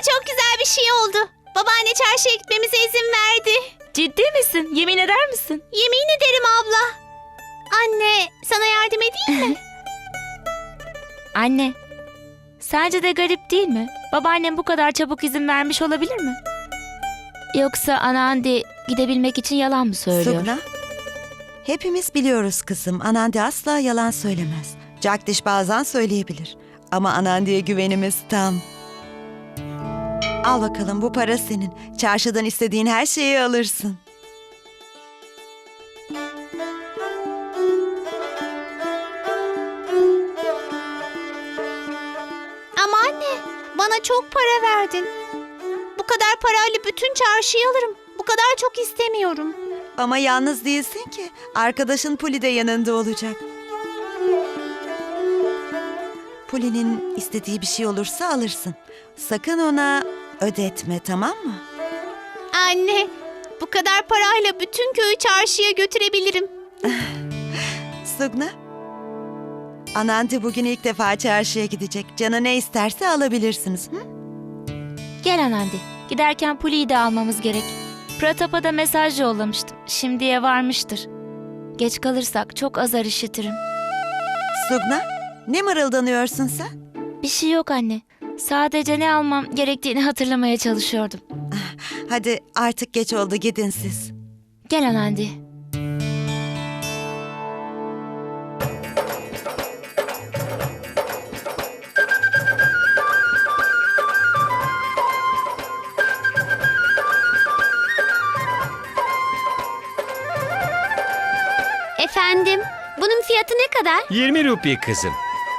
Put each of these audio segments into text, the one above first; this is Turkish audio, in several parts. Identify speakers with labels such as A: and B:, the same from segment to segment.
A: çok güzel bir şey oldu. Babaanne çarşıya gitmemize izin verdi.
B: Ciddi misin? Yemin eder misin?
A: Yemin ederim abla. Anne, sana yardım edeyim mi?
B: Anne, sence de garip değil mi? Babaannem bu kadar çabuk izin vermiş olabilir mi? Yoksa Anandi gidebilmek için yalan mı söylüyor?
C: Sugna, hepimiz biliyoruz kızım. Anandi asla yalan söylemez. Jagdish bazen söyleyebilir. Ama Anandi'ye güvenimiz tam. Al bakalım, bu para senin. Çarşıdan istediğin her şeyi alırsın.
A: Ama anne, bana çok para verdin. Bu kadar parayla bütün çarşıyı alırım. Bu kadar çok istemiyorum.
C: Ama yalnız değilsin ki. Arkadaşın Puli de yanında olacak. Puli'nin istediği bir şey olursa alırsın. Sakın ona ödetme, tamam mı?
A: Anne, bu kadar parayla bütün köyü çarşıya götürebilirim.
C: Sugna, Anandi bugün ilk defa çarşıya gidecek. Canı ne isterse alabilirsiniz. Hı?
B: Gel Anandi. Giderken Puli'yi de almamız gerek. Pratap'a da mesaj yollamıştım. Şimdiye varmıştır. Geç kalırsak çok azar işitirim.
C: Sugna, ne mırıldanıyorsun sen?
B: Bir şey yok anne. Sadece ne almam gerektiğini hatırlamaya çalışıyordum.
C: Hadi artık geç oldu, gidin siz.
B: Gel Anandi.
A: Efendim, bunun fiyatı ne kadar?
D: 20 rupi kızım.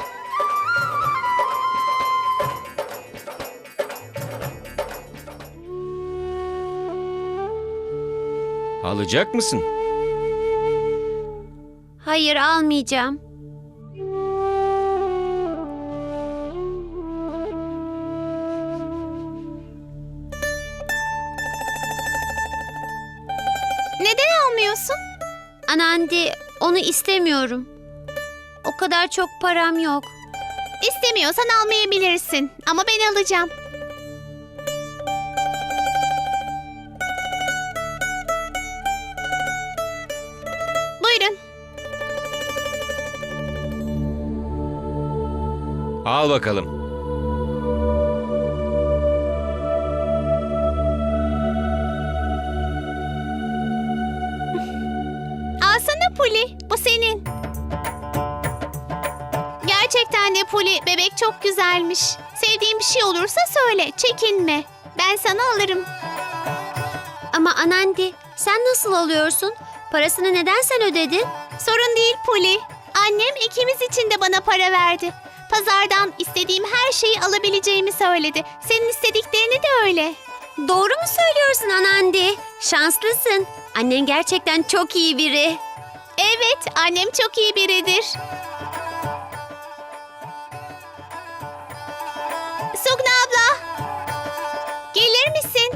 D: Alacak mısın?
A: Hayır, almayacağım. Neden almıyorsun? Anandi, onu istemiyorum. O kadar çok param yok. İstemiyorsan almayabilirsin ama ben alacağım. Buyurun.
D: Al bakalım.
A: Alsana Puli, bu senin. Gerçekten de Puli, bebek çok güzelmiş. Sevdiğin bir şey olursa söyle, çekinme. Ben sana alırım. Ama Anandi, sen nasıl alıyorsun? Parasını neden sen ödedin? Sorun değil Puli. Annem ikimiz için de bana para verdi. Pazardan istediğim her şeyi alabileceğimi söyledi. Senin istediklerini de öyle. Doğru mu söylüyorsun Anandi? Şanslısın. Annen gerçekten çok iyi biri. Evet, annem çok iyi biridir. Sugna abla, gelir misin?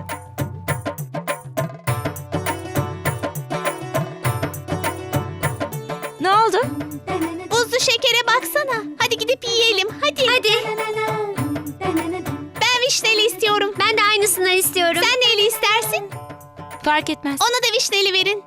B: Ne oldu?
A: Buzlu şekere baksana. Hadi gidip yiyelim, hadi. Hadi. Ben vişneli istiyorum. Ben de aynısından istiyorum. Sen neyli istersin?
B: Fark etmez.
A: Ona da vişneli verin.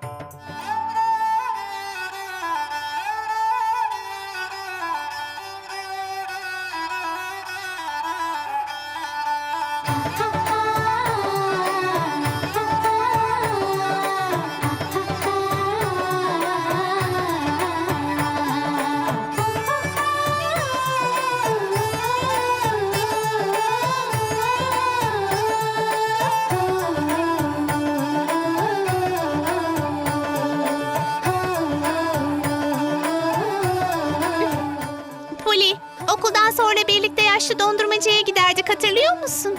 A: Puli, okuldan sonra birlikte yaşlı dondurmacıya giderdik, hatırlıyor musun?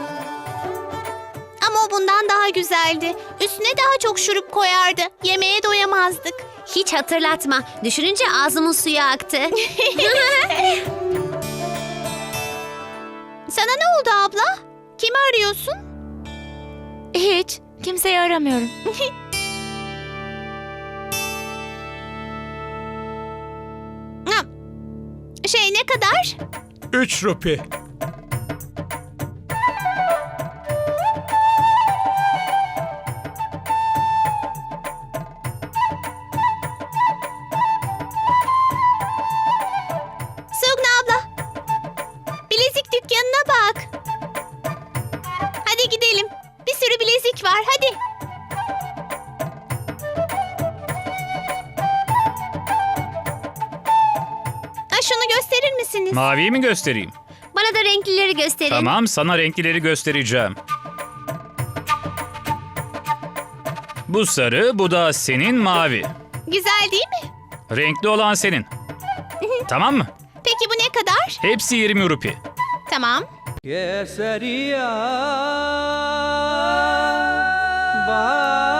A: Ama o bundan daha güzeldi. Üstüne daha çok şurup koyardı. Yemeğe doyamazdık. Hiç hatırlatma. Düşününce ağzımın suyu aktı. Sana ne oldu abla? Kimi arıyorsun?
B: Hiç. Kimseyi aramıyorum.
A: Ne kadar?
E: 3 rupi.
A: dükkanına bak. Hadi gidelim. Bir sürü bilezik var. Hadi. Şunu gösterir misiniz?
E: Maviyi mi göstereyim?
A: Bana da renklileri gösterin.
E: Tamam, sana renklileri göstereceğim. Bu sarı, bu da senin mavi.
A: Güzel değil mi?
E: Renkli olan senin. Tamam mı?
A: Peki bu ne kadar?
E: Hepsi 20 rupi.
A: Tamam.
F: केसरिया बा